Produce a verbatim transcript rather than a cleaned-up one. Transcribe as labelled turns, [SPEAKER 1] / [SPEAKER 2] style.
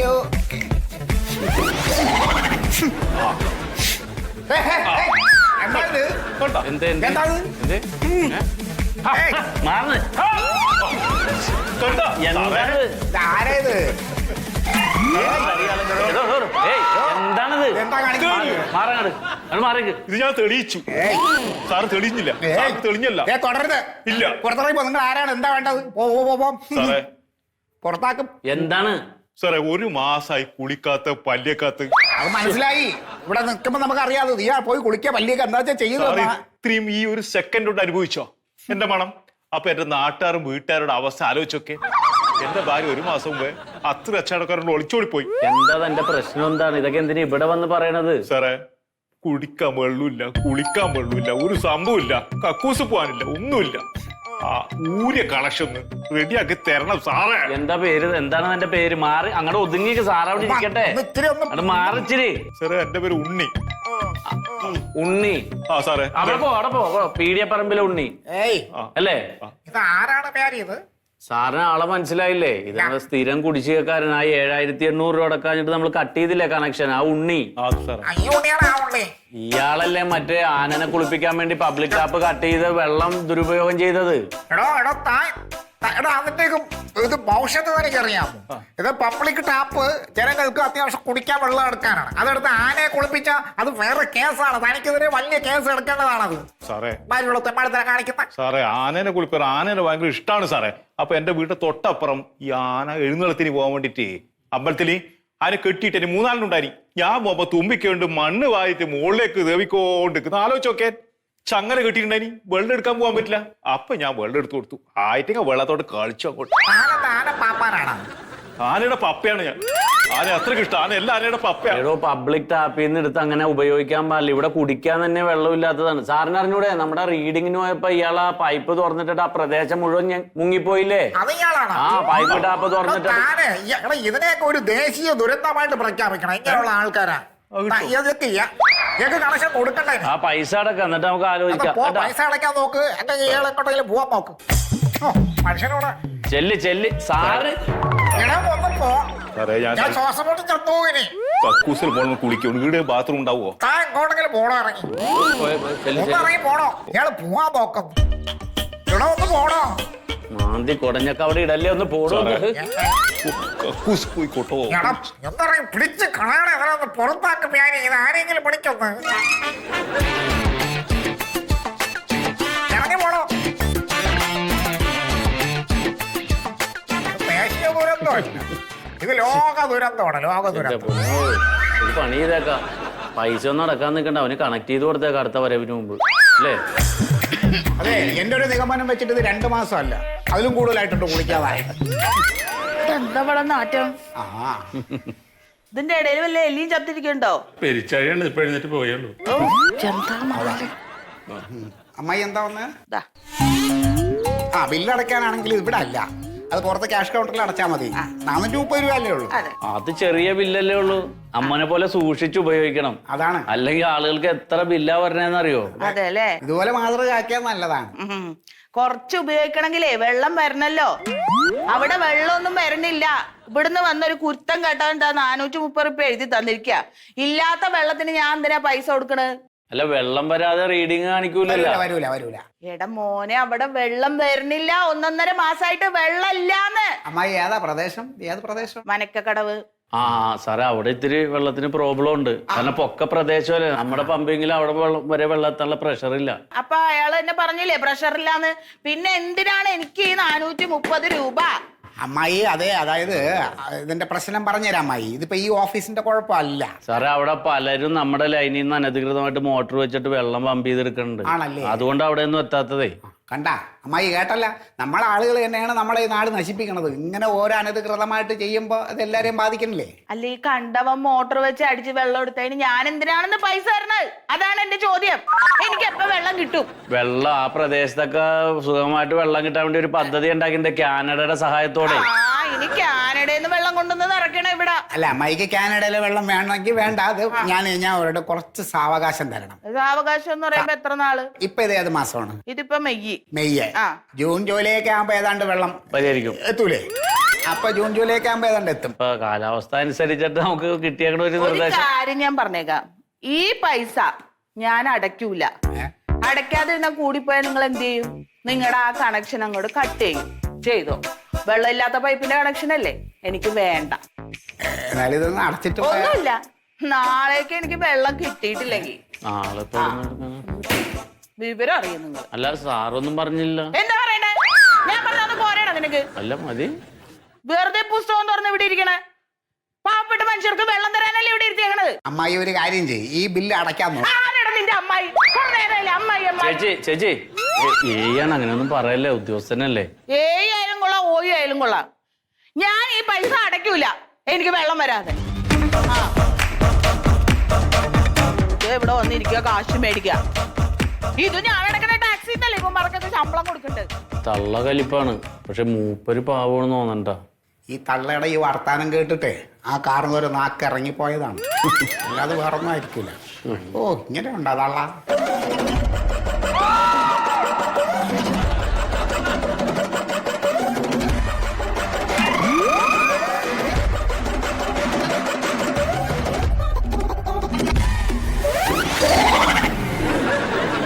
[SPEAKER 1] അയ്യോ ആരേത്
[SPEAKER 2] എന്താണത്?
[SPEAKER 3] ഇത് ഞാൻ തെളിയിച്ചു. സാറ് തെളിഞ്ഞില്ല. തെളിഞ്ഞല്ല.
[SPEAKER 1] തുടരുത്.
[SPEAKER 3] ഇല്ല.
[SPEAKER 1] പുറത്തിറങ്ങി നിങ്ങൾ ആരാണ്? എന്താ വേണ്ടത്?
[SPEAKER 3] സാറേ
[SPEAKER 1] പുറത്താക്കും.
[SPEAKER 2] എന്താണ്
[SPEAKER 3] സാറേ? ഒരു മാസായി കുളിക്കാത്ത പല്ലിയക്കാത്ത.
[SPEAKER 1] അത് മനസ്സിലായി. ഇവിടെ നിൽക്കുമ്പോ നമുക്ക് അറിയാതെ നീ പോയി കുളിക്കുക പല്ലിയൊക്കെ എന്താ വെച്ചാൽ ചെയ്യുന്നത്.
[SPEAKER 3] ഇത്രയും ഈ ഒരു സെക്കൻഡ് കൊണ്ട് അനുഭവിച്ചോ എന്റെ മണം? അപ്പൊ എന്റെ നാട്ടുകാരും വീട്ടുകാരുടെ അവസ്ഥ ആലോചിച്ചൊക്കെ. എന്റെ ഭാര്യ ഒരു മാസം മുമ്പേ അത്ര അച്ചാടക്കാരോട് ഒളിച്ചോടി പോയി.
[SPEAKER 2] എന്താ എന്റെ പ്രശ്നം? എന്താണ് ഇതൊക്കെ? എന്തിനാ ഇവിടെ വന്ന് പറയണത്?
[SPEAKER 3] സാറേ കുടിക്കാൻ വെള്ളമില്ല, കുളിക്കാൻ വെള്ളമില്ല, ഒരു സംഭവമില്ല, കക്കൂസ് പോകാനില്ല, ഒന്നുമില്ല. ആ ഊര്യ കണക്ഷൻ റെഡിയാക്കി തരണം സാറേ.
[SPEAKER 2] എന്താ പേര്? എന്താണ് എന്റെ പേര്? മാറി അങ്ങോട്ട് ഒതുങ്ങിക്ക് സാറ് അവിടെ ഇരിക്കട്ടെ. അത് മാറിച്ചിരി.
[SPEAKER 3] സാറേ എന്റെ പേര് ഉണ്ണി.
[SPEAKER 2] ഉണ്ണി?
[SPEAKER 3] ആ സാറേ
[SPEAKER 2] അവിടെ പോ, അവിടെ പോ. പീഡിയപ്പറമ്പിലെ ഉണ്ണി അല്ലേ?
[SPEAKER 1] ഇത് ആരാണ് പേര്? ഇത്
[SPEAKER 2] സാറിന് ആളെ മനസ്സിലായില്ലേ? ഇത് സ്ഥിരം കുടിശ്ശികക്കാരനായി ഏഴായിരത്തി എണ്ണൂറ് രൂപ അടക്കാഞ്ഞിട്ട് നമ്മൾ കട്ട് ചെയ്തില്ലേ കണക്ഷൻ? ആ ഉണ്ണി. ഇയാളല്ലേ മറ്റേ ആനനെ കുളിപ്പിക്കാൻ വേണ്ടി പബ്ലിക് ടാപ്പ് കട്ട് ചെയ്ത് വെള്ളം ദുരുപയോഗം ചെയ്തത്?
[SPEAKER 1] ഇത് ഭവിഷ്യത്ത് എനിക്കറിയാമോ? ഇത് പബ്ലിക് ടാപ്പ് ജനങ്ങൾക്ക് അത്യാവശ്യം കുടിക്കാൻ വെള്ളം എടുക്കാനാണ്. അതെടുത്ത് ആനയെ കുളിപ്പിച്ച അത് വേറെ കേസാണ്. തനിക്കെതിരെ വലിയ കേസ് എടുക്കേണ്ടതാണത്
[SPEAKER 3] സാറേ.
[SPEAKER 1] കാണിക്കുന്ന
[SPEAKER 3] സാറേ ആനനെ കുളിപ്പ ആനനെ ഭയങ്കര ഇഷ്ടമാണ് സാറേ. അപ്പൊ എന്റെ വീട്ടിൽ തൊട്ടപ്പുറം ഈ ആന എഴുന്നള്ളത്തിന് പോകാൻ വേണ്ടിട്ട് അമ്പലത്തില് ആന കെട്ടിയിട്ട് മൂന്നാലിനുണ്ടായി. ഞാൻ പോകുമ്പോ തുമ്പിക്കൊണ്ട് മണ്ണ് വായിട്ട് മുകളിലേക്ക് ദേവിക്കോണ്ട് ആലോചിച്ചോക്കെ ചങ്ങല കെട്ടിയിട്ടുണ്ടായി. വെള്ളം എടുക്കാൻ പോകാൻ പറ്റില്ല. അപ്പൊ ഞാൻ വെള്ളം എടുത്തു കൊടുത്തു. ആയിട്ടൊക്കെ വെള്ളത്തോട്ട് കളിച്ചു അങ്ങോട്ട്. ആനയുടെ പപ്പയാണ് ഞാൻ. ആന അത്രയ്ക്ക് ഇഷ്ടം. ആന എല്ലാ ആനയുടെ പപ്പയാണ്.
[SPEAKER 2] പബ്ലിക് ടാപ്പിൽ നിന്ന് എടുത്ത് അങ്ങനെ ഉപയോഗിക്കാൻ പാടില്ല. ഇവിടെ കുടിക്കാൻ തന്നെ വെള്ളമില്ലാത്തതാണ്. സാറിന് അറിഞ്ഞൂടെ? നമ്മുടെ റീഡിങ്ങിന് പോയപ്പോ ഇയാൾ ആ പൈപ്പ് തുറന്നിട്ട് ആ പ്രദേശം മുഴുവൻ മുങ്ങിപ്പോയില്ലേ? ആ പൈപ്പ് ടാപ്പ് തുറന്നിട്ട്.
[SPEAKER 1] ഇതിനെയൊക്കെ ഒരു ദേശീയ ദുരന്തമായിട്ട് പ്രഖ്യാപിക്കണം. ഇങ്ങനെയുള്ള ആൾക്കാരാ കണക്ഷൻ കൊടുക്കണ്ടേ?
[SPEAKER 2] ആ പൈസ അടക്കം എന്നിട്ട് നമുക്ക് ആലോചിക്കാം.
[SPEAKER 1] പൈസ അടയ്ക്കാൻ നോക്ക്. എന്റെ എങ്ങോട്ടെങ്കിലും പോവാൻ നോക്ക്. മനുഷ്യനോട്
[SPEAKER 2] ചെല്ലി ചെല്ലി സാറ്
[SPEAKER 1] ശ്വാസം മുട്ടി ചത്തോവിനെ
[SPEAKER 3] കക്കൂസിൽ പോകണം കുളിക്കും. വീട് ബാത്റൂം ഉണ്ടാവോ?
[SPEAKER 1] താൻ എങ്ങോട്ടെങ്കിലും പോണോ? ഇറങ്ങി ഇറങ്ങി പോണോ? ഇയാള് പോവാൻ നോക്കുന്നു. ഇവിടെ ഒന്ന് പോണോ?
[SPEAKER 2] മാന്തി കൊടഞ്ഞൊക്കെ അവിടെ ഇടല്ലേ? ഒന്ന് പോടോ.
[SPEAKER 1] എന്താ പിടിച്ച് കളയണേ? അതിനൊന്ന് പുറത്താക്കും. ഞാൻ ഇത് ആരെങ്കിലും പിടിക്കൊന്ന് ഇറങ്ങി പോണോ? ദേശീയ ദുരന്തമല്ല, ഇത് ലോക ദുരന്തമാണ്. ലോക ദുരന്തം.
[SPEAKER 2] ഒരു പണി ചെയ്തേക്കാം. പൈസ ഒന്നും അടക്കാൻ നിൽക്കണ്ട. അവന് കണക്ട് ചെയ്ത് കൊടുത്തേക്കാം അടുത്ത വരവിന് മുമ്പ് അല്ലേ?
[SPEAKER 1] അതെ, എന്റെ ഒരു നിഗമനം വെച്ചിട്ട് ഇത് രണ്ടു മാസമല്ല, അതിലും കൂടുതലായിട്ടുണ്ട് കുളിക്കാതായി.
[SPEAKER 4] എന്താ ഇവിടെ നാറ്റം? ഇതിന്റെ ഇടയിൽ വല്ല എലിയും ചത്തിരിക്കണ്ടോ?
[SPEAKER 3] പെരിച്ചാഴിയാണ് ഇപ്പൊ എഴുന്നേറ്റ് പോയുള്ളൂ.
[SPEAKER 1] അമ്മായി എന്താ വന്ന്? ആ ബില്ലടയ്ക്കാനാണെങ്കിൽ ഇവിടെ അല്ല, അത് പുറത്ത് ക്യാഷ് കൗണ്ടറിൽ അടച്ചാൽ മതി. നാനൂറ്റി മുപ്പത് രൂപ അല്ലേ ഉള്ളൂ.
[SPEAKER 2] അത് ചെറിയ ബില്ലല്ലേ ഉള്ളൂ. അമ്മനെ പോലെ സൂക്ഷിച്ച് ഉപയോഗിക്കണം.
[SPEAKER 1] അതാണ്.
[SPEAKER 2] അല്ലെങ്കിൽ ആളുകൾക്ക് എത്ര ബില്ലാ പറഞ്ഞെന്നറിയോ?
[SPEAKER 4] അതെ അല്ലേ?
[SPEAKER 1] ഇതുപോലെ മാതൃകയാക്കിയാൽ നല്ലതാണ്.
[SPEAKER 4] കൊറച്ച് ഉപയോഗിക്കണമെങ്കിലേ വെള്ളം വരണല്ലോ. അവിടെ വെള്ളമൊന്നും വരണില്ല. ഇവിടുന്ന് വന്നൊരു കുരുത്തം കേട്ടാ നാനൂറ്റി മുപ്പത് റുപ്യ എഴുതി തന്നിരിക്കുക. ഇല്ലാത്ത വെള്ളത്തിന് ഞാൻ എന്തിനാ പൈസ കൊടുക്കണത്?
[SPEAKER 2] അല്ല വെള്ളം വരാതെ റീഡിങ് കാണിക്കൂലല്ലോ.
[SPEAKER 1] വരൂല വരൂല.
[SPEAKER 4] എടാ മോനെ, അവിടെ വെള്ളം വരണില്ല. ഒന്നൊന്നര മാസമായിട്ട് വെള്ളം ഇല്ലാന്ന്.
[SPEAKER 1] അമ്മായി ഏതാ പ്രദേശം? ഏത് പ്രദേശം?
[SPEAKER 4] മനക്കക്കടവ്.
[SPEAKER 2] ആ സാറേ, അവിടെ ഇത്തിരി വെള്ളത്തിന് പ്രോബ്ലം ഉണ്ട്. കാരണം പൊക്ക പ്രദേശമല്ലേ നമ്മുടെ പമ്പെങ്കിൽ അവിടെ വരെ വെള്ളത്തിനുള്ള പ്രഷർ ഇല്ല.
[SPEAKER 4] അപ്പൊ അയാൾ എന്നെ പറഞ്ഞില്ലേ പ്രഷർ ഇല്ലാന്ന്? പിന്നെ എന്തിനാണ് എനിക്ക് ഈ നാനൂറ്റി മുപ്പത് രൂപ?
[SPEAKER 1] അമ്മായി അതെ, അതായത് ഇതിന്റെ പ്രശ്നം പറഞ്ഞുതരാം അമ്മായി. ഇതിപ്പോ ഈ ഓഫീസിന്റെ കുഴപ്പമല്ല
[SPEAKER 2] സാറേ. അവിടെ പലരും നമ്മുടെ ലൈനിൽ നിന്ന് അനധികൃതമായിട്ട് മോട്ടോർ വെച്ചിട്ട് വെള്ളം പമ്പ് ചെയ്തെടുക്കുന്നുണ്ട്. അതുകൊണ്ട് അവിടെ ഒന്നും എത്താത്തതേ.
[SPEAKER 1] കണ്ട അമ്മായി, കേട്ടല്ല? നമ്മളെ ആളുകൾ തന്നെയാണ് നമ്മളെ ഈ നാട് നശിപ്പിക്കണത്. ഇങ്ങനെ ഓരോ അനധികൃതമായിട്ട് ചെയ്യുമ്പോ അത് എല്ലാരെയും ബാധിക്കണില്ലേ?
[SPEAKER 4] അല്ല, ഈ കണ്ടവൻ മോട്ടോർ വെച്ച് അടിച്ച് വെള്ളം എടുത്തതിന് ഞാൻ എന്തിനാണെന്ന് പൈസ തരണത്? അതാണ് എന്റെ ചോദ്യം. എനിക്ക് എപ്പോ വെള്ളം കിട്ടും?
[SPEAKER 2] വെള്ളം ആ പ്രദേശത്തൊക്കെ സുഖമായിട്ട് വെള്ളം കിട്ടാൻ വേണ്ടി ഒരു പദ്ധതി ഉണ്ടാക്കിണ്ട് കാനഡയുടെ സഹായത്തോടെ.
[SPEAKER 4] ആ ഇനി കാനഡയിൽ നിന്ന് വെള്ളം കൊണ്ടുവന്ന് നിറയ്ക്കണം ഇവിടെ.
[SPEAKER 1] അല്ല അമ്മായിക്ക് കാനഡയിലെ വെള്ളം വേണമെങ്കിൽ വേണ്ട. അത് ഞാൻ ഞാൻ അവരുടെ കുറച്ച് സാവകാശം തരണം.
[SPEAKER 4] സാവകാശം എന്ന് പറയുമ്പോ എത്ര നാള്?
[SPEAKER 1] ഇപ്പൊ ഇത് ഏത് മാസമാണ്?
[SPEAKER 4] ഇതിപ്പോ മെയ്യ്.
[SPEAKER 1] മെയ്യ്. ജൂൺ ജൂലൈ ഒക്കെ ആകുമ്പോ ഏതാണ്ട് വെള്ളം
[SPEAKER 2] പരിഹരിക്കും.
[SPEAKER 1] എത്തൂലേ?
[SPEAKER 5] അപ്പൊ ജൂൺ ജൂലൈ ഒക്കെ ആകുമ്പോ ഏതാണ്ട് എത്തും.
[SPEAKER 2] ഇപ്പൊ കാലാവസ്ഥ അനുസരിച്ചിട്ട് നമുക്ക് കിട്ടിയേക്കണ ഒരു
[SPEAKER 4] ഒരു
[SPEAKER 2] നിർദ്ദേശം.
[SPEAKER 4] കാര്യം ഞാൻ പറഞ്ഞേക്കാം, ഈ പൈസ ഞാൻ അടയ്ക്കൂല. അടയ്ക്കാതിരുന്ന കൂടിപ്പോയാൽ നിങ്ങൾ എന്ത് ചെയ്യും? നിങ്ങളുടെ ആ കണക്ഷൻ അങ്ങോട്ട് കട്ട് ചെയ്യും. ചെയ്തോ. വെള്ളം ഇല്ലാത്ത പൈപ്പിന്റെ കണക്ഷൻ അല്ലേ, എനിക്ക് വേണ്ട.
[SPEAKER 5] എന്നാലും ഇതൊന്ന് അടച്ചിട്ട് പോയാ-
[SPEAKER 4] ഒന്നുമില്ല, നാളേക്ക് എനിക്ക് വെള്ളം കിട്ടിയിട്ടില്ലെങ്കിൽ
[SPEAKER 2] നാളെ ഇപ്പൊ ഇവിടുന്ന് എടുക്കാനാ?
[SPEAKER 4] വിവരം അറിയും നിങ്ങൾ.
[SPEAKER 2] അല്ല സാറൊന്നും പറഞ്ഞില്ല.
[SPEAKER 4] എന്താ പറയണേ? ഞാൻ പറഞ്ഞത് പോരാണോ നിനക്ക്?
[SPEAKER 2] അല്ല മതി.
[SPEAKER 4] വെറുതെ പുസ്തകം തുറന്ന് ഇവിടെ ഇരിക്കണേ. പാവപ്പെട്ട മനുഷ്യർക്ക് വെള്ളം തരാനല്ലേ ഇവിടെ ഇരുത്തിയേക്കണത്.
[SPEAKER 5] അമ്മായി ഒരു കാര്യം ചെയ്യും, ഈ ബില്ല് അടയ്ക്കാൻ നോക്കും.
[SPEAKER 4] ആരാണ് നിന്റെ അമ്മായി? കുറെ നേരമല്ലേ അമ്മായി അമ്മായി.
[SPEAKER 2] ചേച്ചി ചേച്ചി ഏയാണ് അങ്ങനെയൊന്നും പറയല്ലേ, ഉദ്യോഗസ്ഥനല്ലേ.
[SPEAKER 4] ഏയ് ആയാലും കൊള്ളാം, ഓയി ആയാലും കൊള്ളാം, ഞാൻ ഈ പൈസ അടയ്ക്കൂല എനിക്ക് വെള്ളം വരാതെ. ആ ഇത് ഇവിടെ വന്നിരിക്കുക, കാശ് മേടിക്കുക. ഇത് ഞാൻ അടക്കണ ടാക്സി എന്നല്ലേ ഇപ്പൊ മറക്കൊക്കെ ശമ്പളം കൊടുക്കണ്ടത്.
[SPEAKER 2] തള്ള കലിപ്പാണ്, പക്ഷെ മൂപ്പര് പാവണെന്ന് തോന്നണ്ട.
[SPEAKER 5] ഈ തള്ളയുടെ ഈ വർത്താനം കേട്ടിട്ടേ ആ കാറിന് ഒരു നാക്ക് ഇറങ്ങിപ്പോയതാണ്. അല്ലാതെ വേറൊന്നും ആയിരിക്കൂല. ഓ ഇങ്ങനെ ഉണ്ടാ തള്ള.